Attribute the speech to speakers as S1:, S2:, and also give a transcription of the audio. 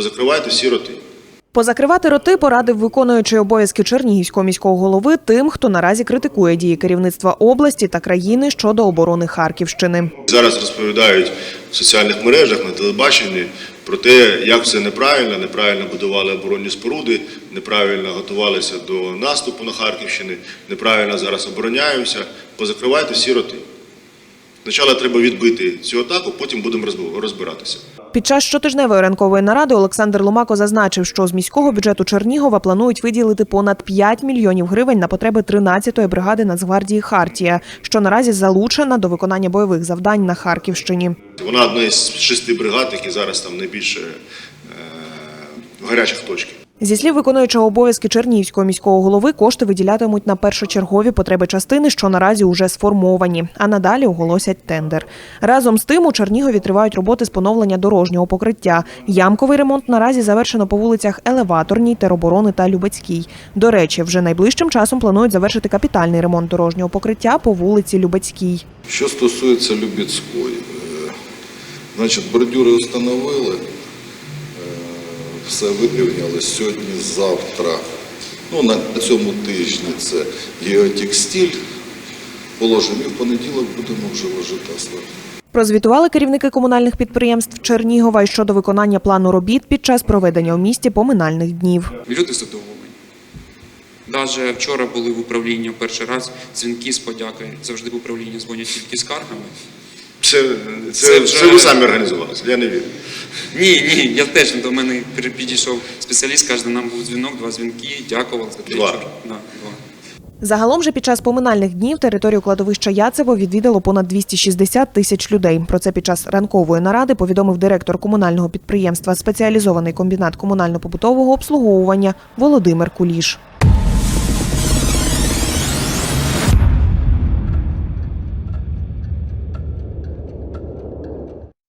S1: позакривайте всі роти.
S2: Позакривати роти порадив виконуючий обов'язки Чернігівського міського голови тим, хто наразі критикує дії керівництва області та країни щодо оборони Харківщини.
S1: Зараз розповідають в соціальних мережах, на телебаченні про те, як все неправильно будували оборонні споруди, неправильно готувалися до наступу на Харківщину, неправильно зараз обороняємося. Позакривайте всі роти. Спочатку треба відбити цю атаку, потім будемо розбиратися.
S2: Під час щотижневої ранкової наради Олександр Ломако зазначив, що з міського бюджету Чернігова планують виділити понад 5 мільйонів гривень на потреби 13-ї бригади Нацгвардії «Хартія», що наразі залучена до виконання бойових завдань на Харківщині.
S1: Вона одна із 6 бригад, які зараз там найбільше в гарячих точках.
S2: Зі слів виконуючого обов'язки Чернігівського міського голови, кошти виділятимуть на першочергові потреби частини, що наразі уже сформовані, а надалі оголосять тендер. Разом з тим у Чернігові тривають роботи з поновлення дорожнього покриття. Ямковий ремонт наразі завершено по вулицях Елеваторній, Тероборони та Любецькій. До речі, вже найближчим часом планують завершити капітальний ремонт дорожнього покриття по вулиці Любецькій.
S3: Що стосується Любецької, значить, бордюри встановили. Все вирівняли сьогодні-завтра, на цьому тижні це геотекстиль. Положимо і в понеділок будемо вже ложити асфальт.
S2: Прозвітували керівники комунальних підприємств Чернігова й щодо виконання плану робіт під час проведення у місті поминальних днів.
S4: Люди задоволені. Навіть вчора були в управлінні перший раз дзвінки з подякою. Завжди в управлінні дзвонять тільки з скаргами.
S1: Це ви самі організувалися, я не вірю.
S4: Ні, я теж, до мене підійшов спеціаліст, каже, нам був дзвінок, 2 дзвінки, дякував за 2.
S2: Загалом же під час поминальних днів територію кладовища Яцево відвідало понад 260 тисяч людей. Про це під час ранкової наради повідомив директор комунального підприємства «Спеціалізований комбінат комунально-побутового обслуговування» Володимир Куліш.